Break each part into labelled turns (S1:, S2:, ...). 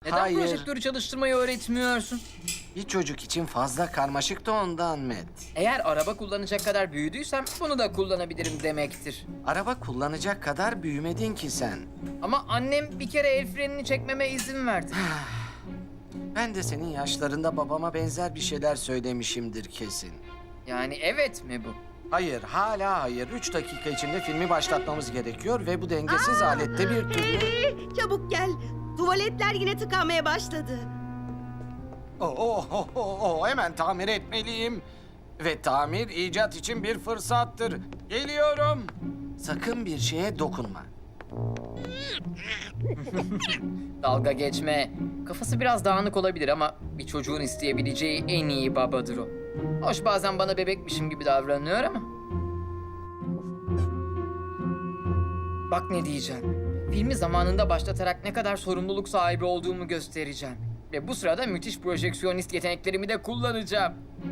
S1: Neden
S2: Hayır.
S1: projektörü çalıştırmayı öğretmiyorsun?
S2: Bir çocuk için fazla karmaşık da ondan Matt.
S1: Eğer araba kullanacak kadar büyüdüysem bunu da kullanabilirim demektir.
S2: Araba kullanacak kadar büyümedin ki sen.
S1: Ama annem bir kere el frenini çekmeme izin verdi.
S2: Ben de senin yaşlarında babama benzer bir şeyler söylemişimdir kesin.
S1: Yani evet mi bu?
S2: Hayır, hala hayır. 3 dakika içinde filmi başlatmamız gerekiyor ve bu dengesiz alette bir türlü...
S3: Çabuk gel. Tuvaletler yine tıkanmaya başladı.
S2: Hemen tamir etmeliyim. Ve tamir icat için bir fırsattır. Geliyorum. Sakın bir şeye dokunma.
S1: Dalga geçme. Kafası biraz dağınık olabilir ama bir çocuğun isteyebileceği en iyi babadır o. Hoş bazen bana bebekmişim gibi davranıyor ama. Bak ne diyeceğim. Filmi zamanında başlatarak ne kadar sorumluluk sahibi olduğumu göstereceğim. Ve bu sırada müthiş projeksiyonist yeteneklerimi de kullanacağım.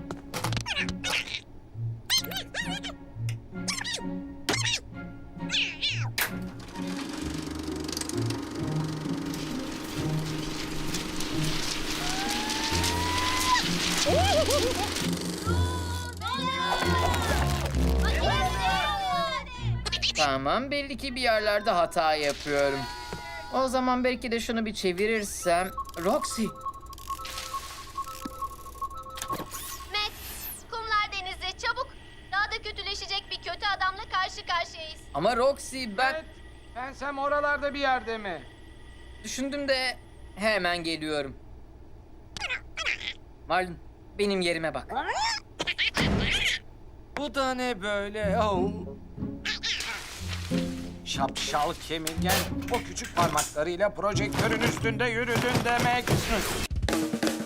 S1: Tamam, belli ki bir yerlerde hata yapıyorum. O zaman belki de şunu bir çevirirsem... Roxy,
S4: Matt, kumlar denizde çabuk. Daha da kötüleşecek bir kötü adamla karşı karşıyayız.
S1: ama Roxy ben...
S2: Pensem oralarda bir yerde mi?
S1: Düşündüm de hemen geliyorum. Marlon, benim yerime bak.
S2: Bu da ne böyle? Şapşal kemirgen o küçük parmaklarıyla projektörün üstünde yürüdün demek.